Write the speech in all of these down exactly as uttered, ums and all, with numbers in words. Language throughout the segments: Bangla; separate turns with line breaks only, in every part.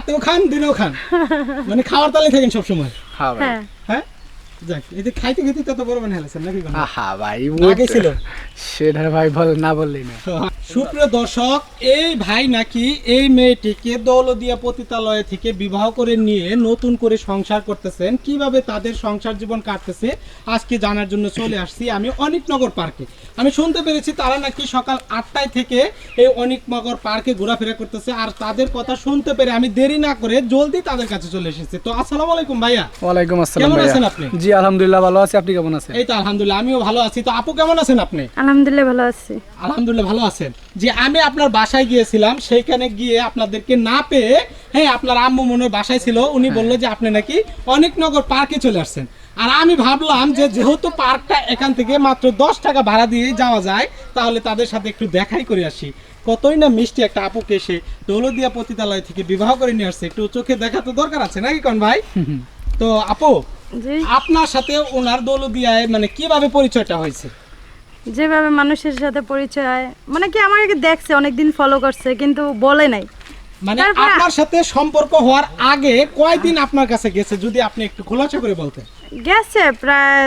রাতেও খান দিনেও খান মানে খাওয়ার তালে থাকেন সবসময়।
হ্যাঁ ভাই
হ্যাঁ যাক এই যে খাইতে খেতে তত বড় মানে হেলেছেন নাকি কোনো?
হ্যাঁ ভাই
আগে ছিল
সেটা ভাই বল না বললেই না।
সুপ্রিয় দর্শক, এই ভাই নাকি এই মেয়েটিকে দৌলতদিয়া পতিতালয় থেকে বিবাহ করে নিয়ে নতুন করে সংসার করতেছেন। কিভাবে তাদের সংসার জীবন কাটতেছে আজকে জানার জন্য চলে আসছি আমি অনিকনগর পার্কে। আমি শুনতে পেরেছি তারা নাকি সকাল আটটায় থেকে এই অনিকনগর পার্কে ঘোরাফেরা করতেছে। আর তাদের কথা শুনতে পেরে আমি দেরি না করে জলদি তাদের কাছে চলে এসেছি। তো আসসালামু আলাইকুম ভাইয়া।
ওয়ালাইকুম আসসালাম।
কেমন
ভাইয়া
আছেন আপনি?
জি আলহামদুলিল্লাহ ভালো আছি, আপনি কেমন আছেন?
এই তো আলহামদুলিল্লাহ আমিও ভালো আছি। তো আপু কেমন আছেন আপনি?
আলহামদুলিল্লাহ ভালো আছি।
আলহামদুলিল্লাহ ভালো আছেন। যে আমি আপনার বাসায় গিয়েছিলাম, সেইখানে গিয়ে আপনাদেরকে না পেয়ে, হ্যাঁ আপনার আম্মু মনের বাসায় ছিল, উনি বললো যে আপনি নাকি অনিকনগর পার্কে চলে আসছেন। আর আমি ভাবলাম যে যেহেতু পার্কটা এখান থেকে মাত্র দশ টাকা ভাড়া দিয়ে যাওয়া যায়, তাহলে তাদের সাথে একটু দেখাই করে আসি। কতই না মিষ্টি একটা আপুকে এসে দৌলতদিয়া পতিতালয় থেকে বিবাহ করে নিয়ে আসছে, একটু চোখে দেখা তো দরকার আছে নাকি কোন ভাই? তো আপু
জি
আপনার সাথে ওনার দৌলতদিয়ায় মানে কিভাবে পরিচয়টা হয়েছে?
যেভাবে মানুষের সাথে পরিচয়, মানে কি আমাকে দেখছে অনেকদিন ফলো করছে কিন্তু বলে নাই।
মানে
তারপরে-
আপনার সাথে সম্পর্ক হওয়ার আগে কয়দিন আপনার কাছে গেছে যদি আপনি একটু খোলাসা করে বলতেন?
গেছে প্রায়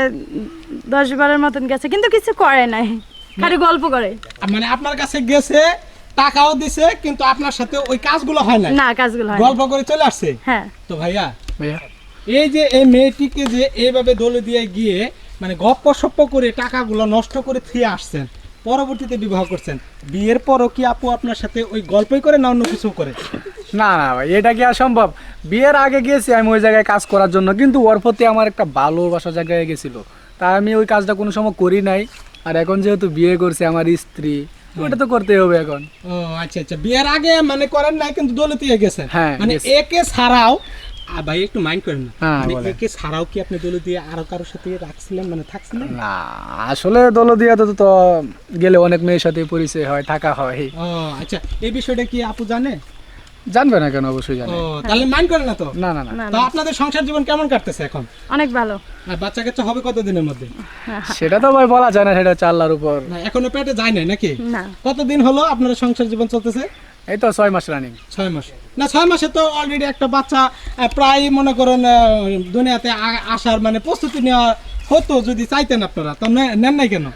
দশ বারের মতন গেছে কিন্তু কিছু করে নাই, খালি গল্প করে।
মানে আপনার কাছে গেছে, টাকাও দিছে, কিন্তু আপনার সাথে ওই কাজগুলো হয় না,
না কাজগুলো হয় না।
গল্প করে চলে আসছে।
হ্যাঁ
তো ভাইয়া
ভাইয়া
এই যে এই মেয়েটিকে যে এইভাবে দৌলতদিয়ায় গিয়ে মানে গপ্প সপ্প করে টাকাগুলো নষ্ট করে থিয়ে আসছেন, পরবর্তীতে বিবাহ করছেন, বিয়ের পরও কি আপু আপনার সাথে ওই গল্পই করে না অন্য কিছু করে?
না না ভাই এটা কি আর সম্ভব? বিয়ের আগে গেছি আমি ওই জায়গায় কাজ করার জন্য, কিন্তু ওর প্রতি আমার একটা ভালোবাসা জায়গায় গেছিল, তাই আমি ওই কাজটা কোনো সময় করি নাই। আর এখন যেহেতু বিয়ে করছে আমার স্ত্রী, ওটা তো করতেই হবে এখন।
ও আচ্ছা আচ্ছা, বিয়ের আগে মানে করেন নাই কিন্তু দৌলতদিয়া গেছেন।
হ্যাঁ,
মানে
গেছি।
একে ছাড়াও আ, ভাই একটু মাইন্ড করেন না,
হ্যাঁ,
মানে
বলেন।
একে ছাড়াও কি আপনি দৌলতদিয়া আরো কারোর সাথে রাখছিলেন, মানে থাকছিলেন?
না আসলে দৌলতদিয়াতে তো তো গেলে অনেক মেয়ের সাথে পরিচয় হয়, থাকা হয়।
ও আচ্ছা, এই বিষয়টা কি আপু জানে?
জানবে না কেন, অবশ্যই জানে।
ও তাহলে মাইন্ড করেন না তো?
না না না
না
তো
না
আপনাদের সংসার জীবন কেমন কাটতেছে এখন?
অনেক ভালো।
আর বাচ্চা কাচ্চা হবে কত দিনের মধ্যে?
সেটা তো ভাই বলা যায় না, সেটা হচ্ছে আল্লাহর উপর।
না এখনো পেটে যায় নাই নাকি?
না
কতদিন হলো আপনার সংসার জীবন চলতেছে?
এই তো ছয় মাস রানিং।
ছয় মাস। না ছয় মাসে তো অলরেডি একটা বাচ্চা আহ, প্রায় মনে করেন আহ, দুনিয়াতে আ- আসার মানে প্রস্তুতি নেওয়া হতো যদি চাইতেন আপনারা, তো নে- নেন নাই কেন?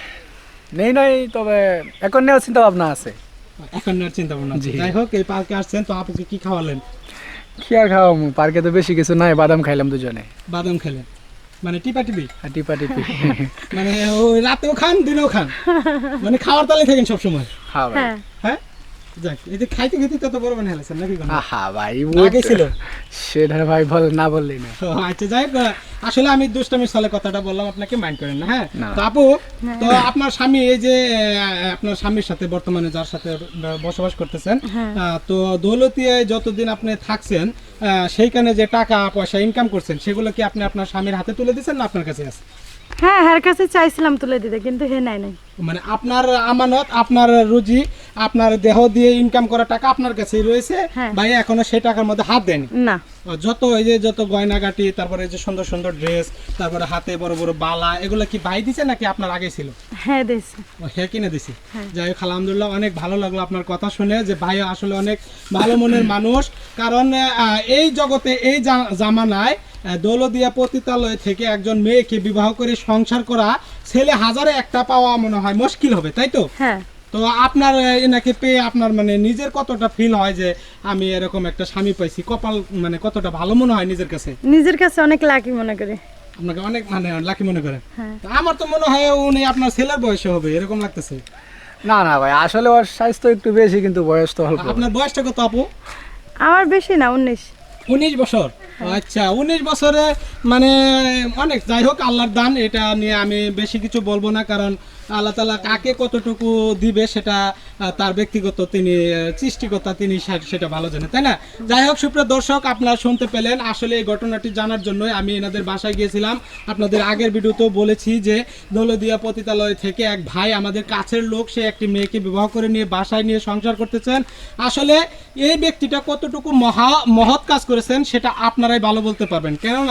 নেই নাই, তবে এখন নেওয়ার চিন্তা ভাবনা আছে।
এখন নেওয়ার চিন্তা ভাবনা আছে।
জি।
যাই হোক, এই পার্কে আসছেন, তো আপুকে কি খাওয়ালেন?
কি আর খাওয়া, পার্কে তো বেশি কিছু নাই, বাদাম খাইলাম দুজনে
বাদাম খেলেন, মানে টিপা টিপি,
আর টিপা টিপি।
মানে ওই রাতেও খান দিনেও খান, মানে খাওয়ার তালে থাকেন সবসময়।
হ্যাঁ ভাই
হ্যাঁ
হ্যাঁ যাক এই যে খাইতে খেতে তত বড় মানে হেলেছেন নাকি কোনো?
হ্যাঁ ভাই
আগে ছিল।
সেটা ভাই বল না বললেই না।
ও, আচ্ছা যাই হোক, আসলে আমি দুষ্টামির সালে কথাটা বললাম, আপনাকে মাইন্ড করেন না। হ্যাঁ
না।
তো আপু, তো আপনার স্বামী এই যে আহ, আপনার স্বামীর সাথে বর্তমানে যার সাথে ব- বসবাস করতেছেন,
হ্যাঁ।
আহ, তো দৌলতদিয়ায় যতদিন আপনি থাকছেন আহ, সেইখানে যে টাকা পয়সা ইনকাম করছেন সেগুলো কি আপনি আপনার স্বামীর হাতে তুলে দিচ্ছেন না আপনার কাছে আছে?
হ্যাঁ হ্যার কাছে চাইছিলাম তুলে দিতে কিন্তু হে নাই নাই।
মানে আপনার আমানত, আপনার রুজি, আপনার দেহ দিয়ে ইনকাম করা টাকা আপনার কাছেই রয়েছে,
হ্যাঁ।
ভাই এখনো সেই টাকার মধ্যে হাত দেয়নি।
না
যত এই যে যত গয়নাগাটি, তারপরে এই যে সুন্দর সুন্দর ড্রেস, তারপরে হাতে বড় বড় বালা, এগুলো কি ভাই দিছে নাকি আপনার আগে ছিল?
হ্যাঁ দিয়েছে।
ও, হ্যাঁ কিনে দিছি।
হ্যাঁ।
যাই হোক আলহামদুলিল্লাহ, অনেক ভালো লাগলো আপনার কথা শুনে যে ভাই আসলে অনেক ভালো মনের মানুষ। কারণ আহ, এই জগতে এই জা- জামানায় আহ, দৌলতদিয়া পতিতালয় থেকে একজন মেয়েকে বিবাহ করে সংসার করা ছেলে হাজারে একটা পাওয়া মনে হয় মুশকিল হবে, তাই তো?
হ্যাঁ
তো আপনার আহ, এনাকে পেয়ে আপনার মানে নিজের কতটা ফিল হয় যে আমি এরকম একটা স্বামী পাইছি, কপাল মানে কতটা ভালো মনে হয় নিজের কাছে?
নিজের কাছে অনেক লাকি মনে করি।
আপনাকে অনেক মানে লাকি মনে করেন?
হ্যাঁ
তা আমার তো মনে হয় উনি আপনার ছেলের বয়সে হবে এরকম লাগতেছে।
না না ভাই আসলে ওর স্বাস্থ্য একটু বেশি, কিন্তু বয়স তো অল্প।
আপনার বয়সটা কত আপু?
আমার বেশি না, উনিশ।
উনিশ বছর। আচ্ছা, উনিশ বছরে মানে অনেক। যাই হোক আল্লাহর দান, এটা নিয়ে আমি বেশি কিছু বলবো না, কারণ আল্লাহ তাআলা কাকে কতটুকু দিবে সেটা আহ, তার ব্যক্তিগত, তিনি আহ, সৃষ্টিকর্তা, তিনি সে- সেটা ভালো জানেন, তাই না? যাই হোক সুপ্রিয় দর্শক, আপনারা শুনতে পেলেন। আসলে এই ঘটনাটি জানার জন্যই আমি এনাদের বাসায় গিয়েছিলাম। আপনাদের আগের ভিডিওতেও বলেছি যে দৌলতদিয়া পতিতালয় থেকে এক ভাই, আমাদের কাছের লোক, সে একটি মেয়েকে বিবাহ করে নিয়ে বাসায় নিয়ে সংসার করতেছেন। আসলে এই ব্যক্তিটা কতটুকু মহা মহৎ কাজ করেছেন সেটা আপনারাই ভালো বলতে পারবেন, কেননা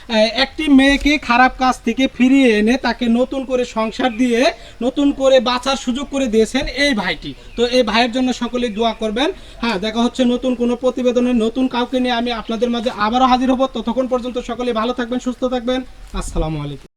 একটি মেয়েকে খারাপ কাজ থেকে ফিরিয়ে এনে তাকে নতুন করে সংসার দিয়ে নতুন করে বাঁচার সুযোগ করে দিয়েছেন এই ভাইটি। তো এই ভাইয়ের জন্য সকলেই দোয়া করবেন। হ্যাঁ, দেখা হচ্ছে নতুন কোনো প্রতিবেদনে নতুন কাউকে নিয়ে আমি আপনাদের মাঝে আবারও হাজির হব। ততক্ষণ পর্যন্ত সকলেই ভালো থাকবেন, সুস্থ থাকবেন। আসসালামু আলাইকুম।